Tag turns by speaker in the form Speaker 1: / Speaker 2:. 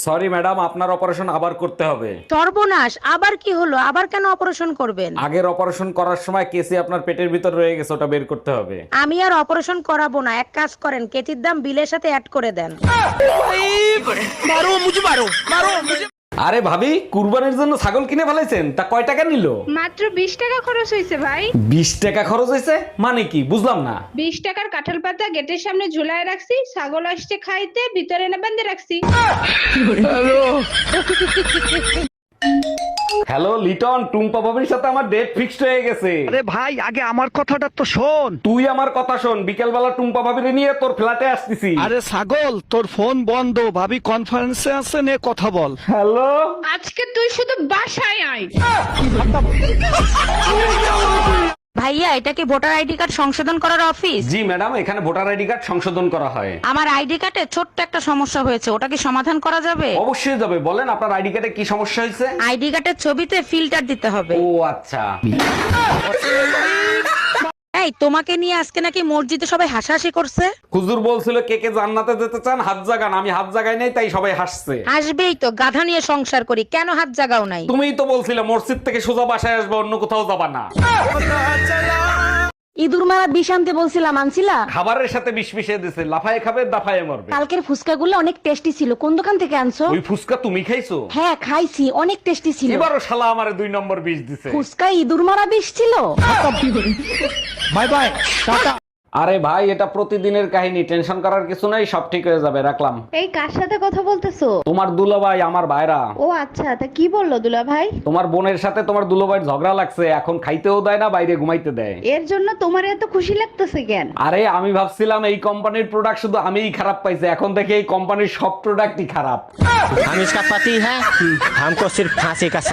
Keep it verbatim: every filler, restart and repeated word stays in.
Speaker 1: Sorry madam, আপনার operation আবার করতে হবে।
Speaker 2: সর্বনাশ, আবার কি হলো? আবার কেন অপারেশন করবেন?
Speaker 1: আগের অপারেশন করার সময় কেসি আপনার পেটের ভিতর রয়ে গেছে, ওটা বের করতে হবে।
Speaker 2: আমি আর অপারেশন করাবো না, এক কাজ করেন, কেতির দাম বিলের সাথে অ্যাড করে দেন।
Speaker 1: আরে ভাবি, কুরবানির জন্য ছাগল কিনে ফেলাইছেন, তা কয় টাকা নিল?
Speaker 3: মাত্র বিশ টাকা খরচ হয়েছে ভাই।
Speaker 1: বিশ টাকা খরচ হয়েছে মানে কি, বুঝলাম না।
Speaker 3: বিশ টাকার কাঁঠাল পাতা গেটের সামনে ঝুলায় রাখছি, ছাগল আসছে খাইতে, ভিতরে এনে বেঁধে রাখছি।
Speaker 1: হ্যালো লিটন, টুম্পা ভাবির সাথে আমার ডেট ফিক্সড হয়ে গেছে।
Speaker 4: আরে ভাই, আগে আমার কথাটা তো শোন।
Speaker 1: তুই আমার কথা শোন, বিকেল বেলা টুম্পা ভাবির নিয়ে তোর ফ্ল্যাটে আসতেছি।
Speaker 4: আরে ছাগল, তোর ফোন বন্ধ, ভাবি কনফারেন্সে আছে, নে কথা বল।
Speaker 1: হ্যালো,
Speaker 3: আজকে তুই শুধু বাসায় আয়।
Speaker 2: ভাইয়া, এটা কি ভোটার আইডি কার্ড সংশোধন করার অফিস?
Speaker 1: জি ম্যাডাম, এখানে ভোটার আইডি কার্ড সংশোধন করা হয়।
Speaker 2: আমার আইডি কার্ডে ছোট্ট একটা সমস্যা হয়েছে, ওটা কি সমাধান করা যাবে?
Speaker 1: অবশ্যই যাবে, বলেন আপনার আইডি কার্ডে কি সমস্যা হয়েছে?
Speaker 2: আইডি কার্ডের ছবিতে ফিল্টার দিতে হবে।
Speaker 1: ও আচ্ছা।
Speaker 2: এই, তোমাকে নিয়ে আজকে নাকি মসজিদে সবাই হাসাহাসি করছে।
Speaker 1: হুজুর বলছিল কে কে জান্নাতে যেতে চান হাত জাগান, আমি হাত জাগাই নাই, তাই সবাই হাসছে।
Speaker 2: আসবেই তো, গাধা নিয়ে সংসার করি, কেন হাত জাগাও নাই?
Speaker 1: তুমিই তো বলছিলে মসজিদ থেকে সোজা বাসায় আসবে, অন্য কোথাও যাবা না।
Speaker 5: ইঁদুর মারা বিষ আনতে বলছিলাম, আনছিলা?
Speaker 1: খাবারের সাথে বিষ মিশিয়ে দিছে, লাফায় খাবে দাফায় মরবে।
Speaker 5: কালকের ফুচকাগুলো অনেক টেস্টি ছিল, কোন দোকান থেকে আনছো?
Speaker 1: ওই ফুসকা তুমি খাইছো?
Speaker 5: হ্যাঁ খাইছি, অনেক টেস্টি ছিল।
Speaker 1: এবারও শালা আমারে দুই নম্বর বিষ দিছে।
Speaker 5: ফুচকা ইঁদুর মারা বিষ ছিল।
Speaker 4: বাই বাই, টাটা।
Speaker 1: আরে ভাই, এটা প্রতিদিনের কাহিনী, টেনশন করার কিছু নাই, সব ঠিক হয়ে যাবে, রাখলাম।
Speaker 6: এই কার সাথে কথা বলতেছো?
Speaker 1: তোমার দুলাভাই, আমার ভাইরা।
Speaker 6: ও আচ্ছা, তা কি বললো দুলা ভাই?
Speaker 1: তোমার বোনের সাথে তোমার দুলাভাইয়ের ঝগড়া লাগছে, এখন খাইতেও দেয় না, বাইরে ঘুমাইতে দেয়।
Speaker 6: এর জন্য তোমার এত খুশি লাগতেছে কেন?
Speaker 1: আরে আমি ভাবছিলাম এই কোম্পানির প্রোডাক্ট শুধু আমিই খারাপ পাইছি, এখন দেখি এই কোম্পানির সব প্রোডাক্টই খারাপ।
Speaker 7: हम इसका पति है, हमको सिर्फ फांसी का